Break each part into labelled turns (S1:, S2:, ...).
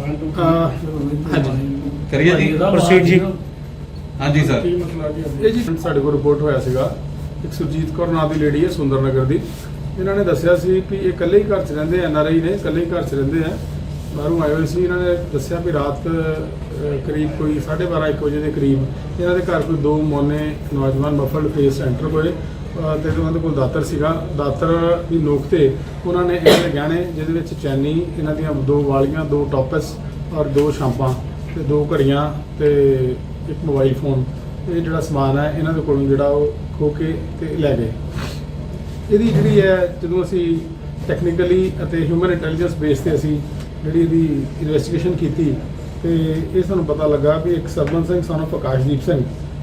S1: ਕਰੀਏ ਜੀ
S2: ਪ੍ਰੋਸੀਡ ਜੀ।
S1: ਹਾਂਜੀ ਸਰ।
S3: ਇਹ ਜੀ ਸਾਡੇ ਕੋਲ ਰਿਪੋਰਟ ਹੋਇਆ ਸੀਗਾ, ਇੱਕ ਸੁਰਜੀਤ ਕੌਰ ਨਾਂ ਦੀ ਲੇਡੀ ਹੈ ਸੁੰਦਰ ਨਗਰ ਦੀ। ਇਹਨਾਂ ਨੇ ਦੱਸਿਆ ਸੀ ਕਿ ਇਹ ਇਕੱਲੇ ਹੀ ਘਰ 'ਚ ਰਹਿੰਦੇ ਐ, NRI ਨੇ, ਇਕੱਲੇ ਹੀ ਘਰ 'ਚ ਰਹਿੰਦੇ ਆ, ਬਾਹਰੋਂ ਆਏ ਹੋਏ ਸੀ। ਇਹਨਾਂ ਨੇ ਦੱਸਿਆ ਵੀ ਰਾਤ ਕਰੀਬ ਕੋਈ 12:30-1 ਵਜੇ ਦੇ ਕਰੀਬ ਇਹਨਾਂ ਦੇ ਘਰ ਕੋਈ ਦੋ ਮੋਨੇ ਨੌਜਵਾਨ ਮਫਲਡ ਫੇਸ ਐਂਟਰ ਹੋਏ ਤੇ ਉਹਨਾਂ ਦੇ ਕੋਲ ਦਾਤਰ ਸੀਗਾ। ਦਾਤਰ ਦੀ ਨੋਕ ਤੇ ਉਹਨਾਂ ਨੇ ਇਹਨਾਂ ਦੇ ਗਹਿਣੇ, ਜਿਹਦੇ ਵਿੱਚ ਚੈਨੀ, ਇਹਨਾਂ ਦੀਆਂ 2 ਵਾਲੀਆਂ, 2 ਟੋਪਸ ਔਰ 2 ਸ਼ਾਂਪਾਂ ਤੇ 2 ਘੜੀਆਂ ਤੇ ਇੱਕ ਮੋਬਾਈਲ ਫੋਨ, ਇਹ ਜਿਹੜਾ ਸਮਾਨ ਹੈ ਇਹਨਾਂ ਦੇ ਕੋਲੋਂ ਜਿਹੜਾ ਉਹ ਖੋ ਕੇ ਤੇ ਲੈ ਗਏ। ਇਹਦੀ ਜਿਹੜੀ ਹੈ, ਜਦੋਂ ਅਸੀਂ ਟੈਕਨੀਕਲੀ ਅਤੇ ਹਿਊਮਨ ਇੰਟੈਲੀਜੈਂਸ ਬੇਸ ਤੇ ਅਸੀਂ ਜਿਹੜੀ ਇਹਦੀ ਇਨਵੈਸਟੀਗੇਸ਼ਨ ਕੀਤੀ ਤੇ ਇਹ ਸਾਨੂੰ ਪਤਾ ਲੱਗਾ ਵੀ ਇੱਕ ਸਰਵਨ ਸਿੰਘ son of ਆਕਾਸ਼ਦੀਪ ਸਿੰਘ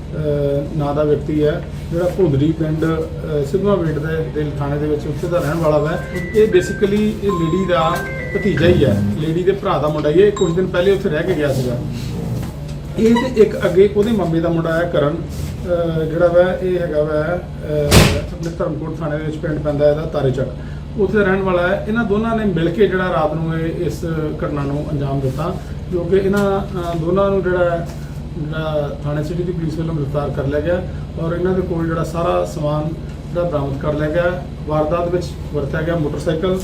S3: ਨਾਂ ਦਾ ਵਿਅਕਤੀ ਹੈ, ਜਿਹੜਾ ਭੁੰਦਰੀ ਪਿੰਡ ਸਿੱਧਵਾਂ ਵੇਟ ਦੇ ਥਾਣੇ ਦੇ ਵਿੱਚ ਉੱਥੇ ਦਾ ਰਹਿਣ ਵਾਲਾ ਵਾ। ਇਹ ਬੇਸਿਕਲੀ ਇਹ ਲੇਡੀ ਦਾ ਭਤੀਜਾ ਹੀ ਹੈ, ਲੇਡੀ ਦੇ ਭਰਾ ਦਾ ਮੁੰਡਾ ਹੀ ਹੈ। ਕੁਝ ਦਿਨ ਪਹਿਲੇ ਉੱਥੇ ਰਹਿ ਕੇ ਗਿਆ ਸੀਗਾ। ਇਹ ਤੇ ਇੱਕ ਅੱਗੇ ਉਹਦੇ ਮੰਮੇ ਦਾ ਮੁੰਡਾ ਹੈ ਕਰਨ, ਜਿਹੜਾ ਵਾ ਇਹ ਹੈਗਾ ਵਾ ਆਪਣੇ ਧਰਮਕੋਟ ਥਾਣੇ ਦੇ ਵਿੱਚ ਪਿੰਡ ਪੈਂਦਾ ਇਹਦਾ ਤਾਰੇਚੱਕ, ਉੱਥੇ ਦਾ ਰਹਿਣ ਵਾਲਾ ਹੈ। ਇਹਨਾਂ ਦੋਨਾਂ ਨੇ ਮਿਲ ਕੇ ਜਿਹੜਾ ਰਾਤ ਨੂੰ ਇਸ ਘਟਨਾ ਨੂੰ ਅੰਜਾਮ ਦਿੱਤਾ, ਕਿਉਂਕਿ ਇਹਨਾਂ ਦੋਨਾਂ ਨੂੰ ਜਿਹੜਾ ਥਾਣੇ ਸਿਟੀ ਦੀ ਪੁਲਿਸ ਵੱਲੋਂ ਗ੍ਰਿਫਤਾਰ ਕਰ ਲਿਆ ਗਿਆ ਔਰ ਇਹਨਾਂ ਦੇ ਕੋਲ ਜਿਹੜਾ ਸਾਰਾ ਸਮਾਨ ਜਿਹੜਾ ਬਰਾਮਦ ਕਰ ਲਿਆ ਗਿਆ। ਵਾਰਦਾਤ ਵਿੱਚ ਵਰਤਿਆ ਗਿਆ ਮੋਟਰਸਾਈਕਲ,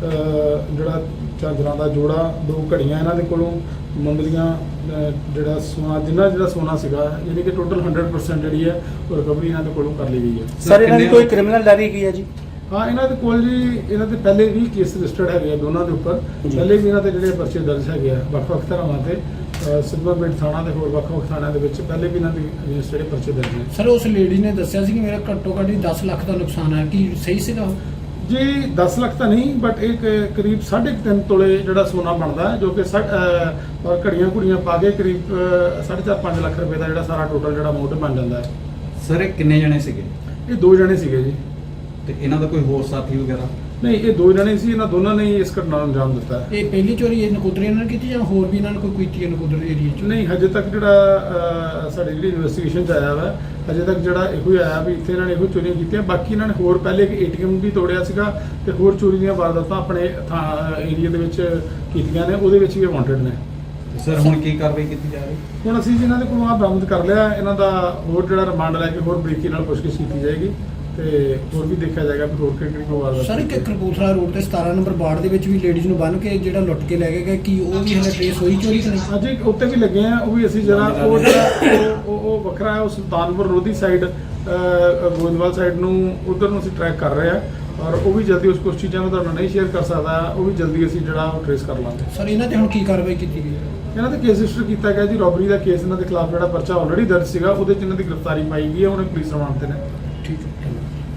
S3: ਜਿਹੜਾ ਝਾਂਜਰਾਂ ਦਾ ਜੋੜਾ, 2 ਘੜੀਆਂ ਇਹਨਾਂ ਦੇ ਕੋਲੋਂ, ਮੁੰਦਰੀਆਂ, ਜਿਹੜਾ ਸੋਨਾ ਜਿਹੜਾ ਸੋਨਾ ਸੀਗਾ, ਯਾਨੀ ਕਿ ਟੋਟਲ 100% ਜਿਹੜੀ ਹੈ ਉਹ ਰਿਕਵਰੀ ਇਹਨਾਂ ਦੇ ਕੋਲੋਂ ਕਰ ਲਈ ਗਈ ਹੈ।
S2: ਸਰ ਇਹਨਾਂ ਦੀ ਕੋਈ ਕ੍ਰਿਮੀਨਲ ਡਾਇਰੀ ਕੀ ਹੈ ਜੀ?
S3: ਹਾਂ, ਇਹਨਾਂ ਦੇ ਕੋਲ ਜੀ ਇਹਨਾਂ ਦੇ ਪਹਿਲੇ ਵੀ ਕੇਸ ਰਜਿਸਟਰਡ ਹੈਗੇ ਆ ਦੋਨਾਂ ਦੇ ਉੱਪਰ। ਪਹਿਲੇ ਵੀ ਇਹਨਾਂ ਦੇ ਜਿਹੜੇ ਪਰਚੇ ਦਰਜ ਹੈਗੇ ਆ ਵੱਖ-ਵੱਖ ਧਾਰਾਵਾਂ ਤੇ, ਸਿੱਧਵਾਂ ਪਿੰਡ ਥਾਣਾ ਤੇ ਹੋਰ ਵੱਖ-ਵੱਖ ਥਾਣਿਆਂ ਦੇ ਵਿੱਚ ਪਹਿਲੇ ਵੀ ਇਹਨਾਂ ਦੇ ਅਗੇਂਸਟ ਜਿਹੜੇ ਪਰਚੇ ਦਰਜ ਨੇ।
S4: ਸਰ ਉਸ ਲੇਡੀ ਨੇ ਦੱਸਿਆ ਸੀ ਕਿ ਮੇਰਾ ਘੱਟੋ ਘੱਟ 10 ਲੱਖ ਦਾ ਨੁਕਸਾਨ ਹੈ, ਕੀ ਸਹੀ ਸੀਗਾ ਉਹ?
S3: ਜੀ 10 ਲੱਖ ਤਾਂ ਨਹੀਂ, ਬਟ ਇੱਕ ਕਰੀਬ 3.5 ਤੋਲੇ ਜਿਹੜਾ ਸੋਨਾ ਬਣਦਾ, ਜੋ ਕਿ ਔਰ ਘੜੀਆਂ ਪਾ ਕੇ ਕਰੀਬ 4.5-5 ਲੱਖ ਰੁਪਏ ਦਾ ਜਿਹੜਾ ਸਾਰਾ ਟੋਟਲ ਜਿਹੜਾ ਅਮਾਊਂਟ ਬਣ ਜਾਂਦਾ ਹੈ।
S1: ਸਰ ਇਹ ਕਿੰਨੇ ਜਣੇ ਸੀਗੇ?
S3: ਇਹ 2 ਜਣੇ ਸੀਗੇ ਜੀ।
S1: ਤੇ ਇਹਨਾਂ ਦਾ ਕੋਈ ਹੋਰ ਸਾਥੀ ਵਗੈਰਾ?
S3: ਨਹੀਂ, ਇਹ 2 ਜਣੇ ਸੀ। ਇਹਨਾਂ ਦੋਨਾਂ ਨੇ ਹੀ ਇਸ ਘਟਨਾ ਨੂੰ ਅੰਜਾਮ ਦਿੱਤਾ ਹੈ।
S4: ਇਹ ਪਹਿਲੀ ਚੋਰੀ ਇਹ ਨਕੋਦਰੀ ਇਹਨਾਂ ਨੇ ਕੀਤੀ ਜਾਂ ਹੋਰ ਵੀ ਇਹਨਾਂ ਨੇ ਕੋਈ ਕੀਤੀ ਹੈ ਨਕੋਦਰੀ ਏਰੀਆ 'ਚ?
S3: ਨਹੀਂ, ਹਜੇ ਤੱਕ ਜਿਹੜਾ ਸਾਡੀ ਜਿਹੜੀ ਇਨਵੈਸਟੀਗੇਸ਼ਨ 'ਚ ਆਇਆ ਵਾ, ਹਜੇ ਤੱਕ ਜਿਹੜਾ ਇਹੋ ਹੀ ਆਇਆ ਵੀ ਇੱਥੇ ਇਹਨਾਂ ਨੇ ਇਹੋ ਚੋਰੀਆਂ ਕੀਤੀਆਂ। ਬਾਕੀ ਇਹਨਾਂ ਨੇ ਹੋਰ ਪਹਿਲੇ ਇੱਕ ATM ਵੀ ਤੋੜਿਆ ਸੀਗਾ ਤੇ ਹੋਰ ਚੋਰੀ ਦੀਆਂ ਵਾਰਦਾਤਾਂ ਆਪਣੇ ਏਰੀਆ ਦੇ ਵਿੱਚ ਕੀਤੀਆਂ ਨੇ, ਉਹਦੇ ਵਿੱਚ ਵੀ ਵਾਂਟਡ ਨੇ।
S1: ਸਰ ਹੁਣ ਕੀ ਕਾਰਵਾਈ ਕੀਤੀ ਜਾ ਰਹੀ?
S3: ਹੁਣ ਅਸੀਂ ਇਹਨਾਂ ਦੇ ਕੋਲੋਂ ਬਰਾਮਦ ਕਰ ਲਿਆ। ਇਹਨਾਂ ਦਾ ਹੋਰ ਜਿਹੜਾ ਰਿਮਾਂਡ ਲੈ ਕੇ ਹੋਰ ਬਰੀਕੀ ਨਾਲ ਪੁੱਛਗਿੱਛ ਕੀਤੀ ਜਾਏਗੀ ਤੇ ਹੋਰ ਵੀ ਦੇਖਿਆ ਜਾਏਗਾ ਵੀ ਹੋਰ ਕਿਹੜੀ ਵਾਰਦਾਤ।
S4: ਸਰ ਇੱਕ ਕਪੂਰਥਲਾ ਰੋਡ ਤੇ 17 ਨੰਬਰ ਵਾਰਡ ਦੇ ਵਿੱਚ ਵੀ ਲੇਡੀਜ਼ ਨੂੰ ਬੰਨ੍ਹ ਕੇ ਜਿਹੜਾ ਲੁੱਟ ਕੇ ਲੈ ਕੇ ਗਏ, ਕੀ ਉਹ ਵੀ ਹਲੇ ਟ੍ਰੇਸ ਹੋਈ ਚੋਰੀ ਕਿ ਨਹੀਂ?
S3: ਅਜੇ ਉੱਤੇ ਵੀ ਲੱਗੇ ਆ, ਉਹ ਵੀ ਅਸੀਂ ਜਰਾ ਉਹ ਜਿਹੜਾ ਉਹ ਵੱਖਰਾ ਹੈ, ਉਹ ਸੁਲਤਾਨਪੁਰ ਲੋਧੀ ਸਾਈਡ, ਗੋਇੰਦਵਾਲ ਸਾਈਡ ਨੂੰ, ਉਧਰ ਨੂੰ ਅਸੀਂ ਟਰੈਕ ਕਰ ਰਹੇ ਆ ਔਰ ਉਹ ਵੀ ਜਲਦੀ ਕੁਝ ਚੀਜ਼ਾਂ ਨੂੰ ਤੁਹਾਨੂੰ ਨਹੀਂ ਸ਼ੇਅਰ ਕਰ ਸਕਦਾ, ਉਹ ਵੀ ਜਲਦੀ ਅਸੀਂ ਜਿਹੜਾ ਉਹ ਟ੍ਰੇਸ ਕਰ ਲਾਂਗੇ।
S4: ਸਰ ਇਹਨਾਂ ਤੇ ਹੁਣ ਕੀ ਕਾਰਵਾਈ ਕੀਤੀ ਗਈ?
S3: ਇਹਨਾਂ ਤੇ ਕੇਸ ਰਜਿਸਟਰ ਕੀਤਾ ਗਿਆ ਜੀ, ਰੋਬਰੀ ਦਾ ਕੇਸ ਇਹਨਾਂ ਦੇ ਖਿਲਾਫ ਜਿਹੜਾ ਪਰਚਾ ਆਲਰੇਡੀ ਦਰਜ ਸੀਗਾ, ਉਹਦੇ 'ਚ ਇਹਨਾਂ ਦੀ ਗ੍ਰਿਫਤਾਰੀ ਪਾਈ ਗਈ ਹੈ, ਹੁਣ ਪੁਲਿਸ ਰਿਮਾਂਡ ਤੇ ਨੇ।
S4: ठीक है।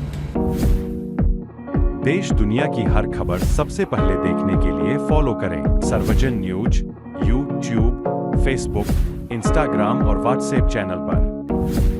S5: देश दुनिया की हर खबर सबसे पहले देखने के लिए फॉलो करें Sarvajan news, YouTube, Facebook, Instagram और WhatsApp चैनल पर।